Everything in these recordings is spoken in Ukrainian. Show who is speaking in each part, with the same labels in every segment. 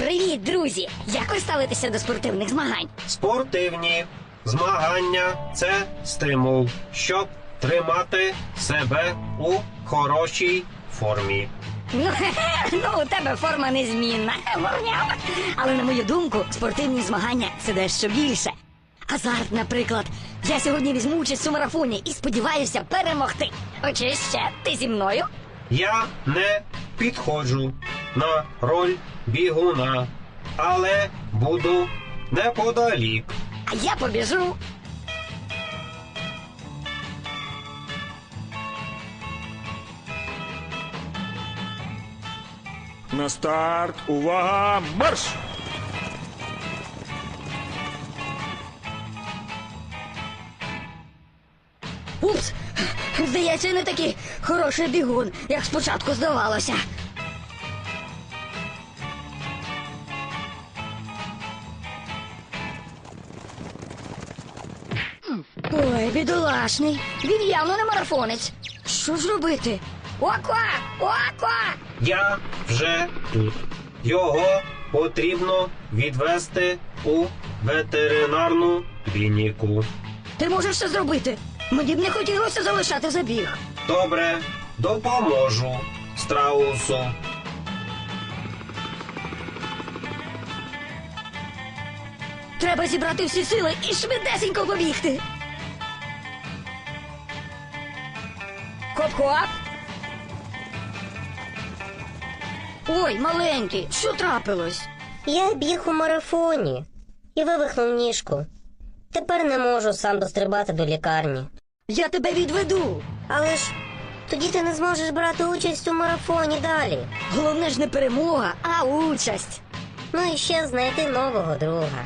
Speaker 1: Привіт, друзі! Як ви ставитеся до спортивних змагань?
Speaker 2: Спортивні змагання – це стимул, щоб тримати себе у хорошій формі.
Speaker 1: Ну, у тебе форма незмінна. Мовняв. Але, на мою думку, спортивні змагання – це дещо більше. Азарт, наприклад. Я сьогодні візьму участь у марафоні і сподіваюся перемогти. Чи ще ти зі мною?
Speaker 2: Я не підходжу на роль бігуна, але буду неподалік.
Speaker 1: А я побіжу.
Speaker 3: На старт, увага, марш!
Speaker 1: Упс! Здається, не такий хороший бігун, як спочатку здавалося. Ой, бідолашний. Він явно не марафонець. Що ж робити? Оква! Оква!
Speaker 2: Я вже тут. Його потрібно відвести у ветеринарну клініку.
Speaker 1: Ти можеш це зробити. Мені б не хотілося залишати забіг.
Speaker 2: Добре, допоможу страусу.
Speaker 1: Треба зібрати всі сили і швидесенько побігти. Хоп-хоп. Ой, маленький, що трапилось?
Speaker 4: Я біг у марафоні і вивихнув ніжку. Тепер не можу сам дострибати до лікарні.
Speaker 1: Я тебе відведу.
Speaker 4: Але ж тоді ти не зможеш брати участь у марафоні далі.
Speaker 1: Головне ж не перемога, а участь.
Speaker 4: Ну і ще знайти нового друга.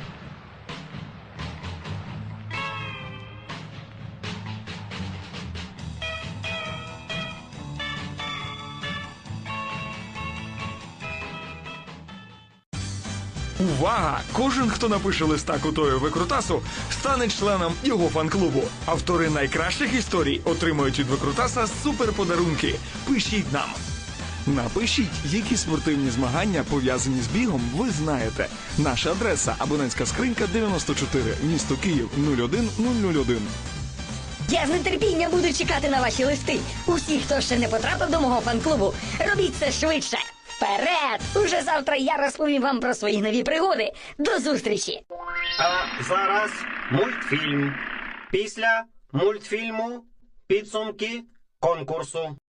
Speaker 3: Увага! Кожен, хто напише листа Кутою Викрутасу, стане членом його фан-клубу. Автори найкращих історій отримують від Викрутаса суперподарунки. Пишіть нам! Напишіть, які спортивні змагання, пов'язані з бігом, ви знаєте. Наша адреса – абонентська скринька 94, місто Київ 01001.
Speaker 1: Я з нетерпінням буду чекати на ваші листи. Усі, хто ще не потрапив до мого фан-клубу, робіть це швидше. Вперед! Уже завтра я розповім вам про свої нові пригоди. До зустрічі!
Speaker 2: А зараз мультфільм. Після мультфільму підсумки конкурсу.